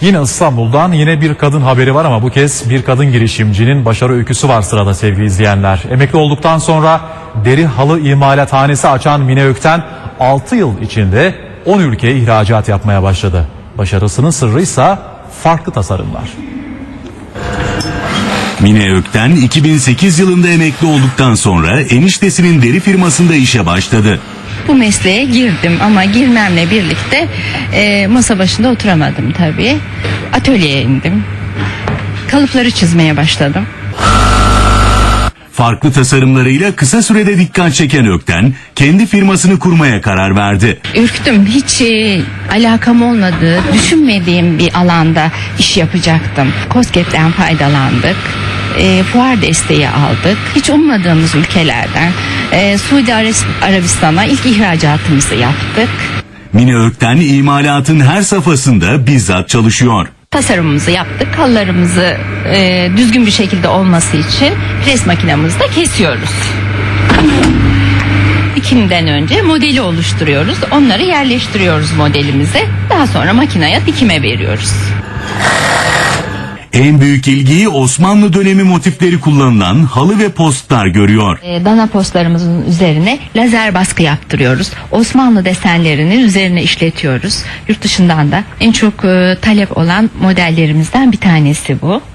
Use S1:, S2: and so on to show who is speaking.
S1: Yine İstanbul'dan yine bir kadın haberi var ama bu kez bir kadın girişimcinin başarı öyküsü var sırada sevgili izleyenler. Emekli olduktan sonra deri halı imalathanesi açan Mine Ökten 6 yıl içinde 10 ülkeye ihracat yapmaya başladı. Başarısının sırrı ise farklı tasarımlar.
S2: Mine Ökten 2008 yılında emekli olduktan sonra eniştesinin deri firmasında işe başladı.
S3: Bu mesleğe girdim ama girmemle birlikte masa başında oturamadım tabii. Atölyeye indim. Kalıpları çizmeye başladım.
S2: Farklı tasarımlarıyla kısa sürede dikkat çeken Ökten kendi firmasını kurmaya karar verdi.
S3: Ürktüm. Hiç alakam olmadığı, düşünmediğim bir alanda iş yapacaktım. KOSGEB'den faydalandık. Fuar desteği aldık. Hiç ummadığımız ülkelerden Suudi Arabistan'a ilk ihracatımızı yaptık.
S2: Mine Ökten imalatın her safhasında bizzat çalışıyor.
S3: Tasarımımızı yaptık. Halılarımızı düzgün bir şekilde olması için pres makinemizde kesiyoruz. Dikimden önce modeli oluşturuyoruz. Onları yerleştiriyoruz modelimize. Daha sonra makineye dikime veriyoruz.
S2: En büyük ilgiyi Osmanlı dönemi motifleri kullanılan halı ve postlar görüyor.
S3: Dana postlarımızın üzerine lazer baskı yaptırıyoruz. Osmanlı desenlerini üzerine işletiyoruz. Yurt dışından da en çok talep olan modellerimizden bir tanesi bu.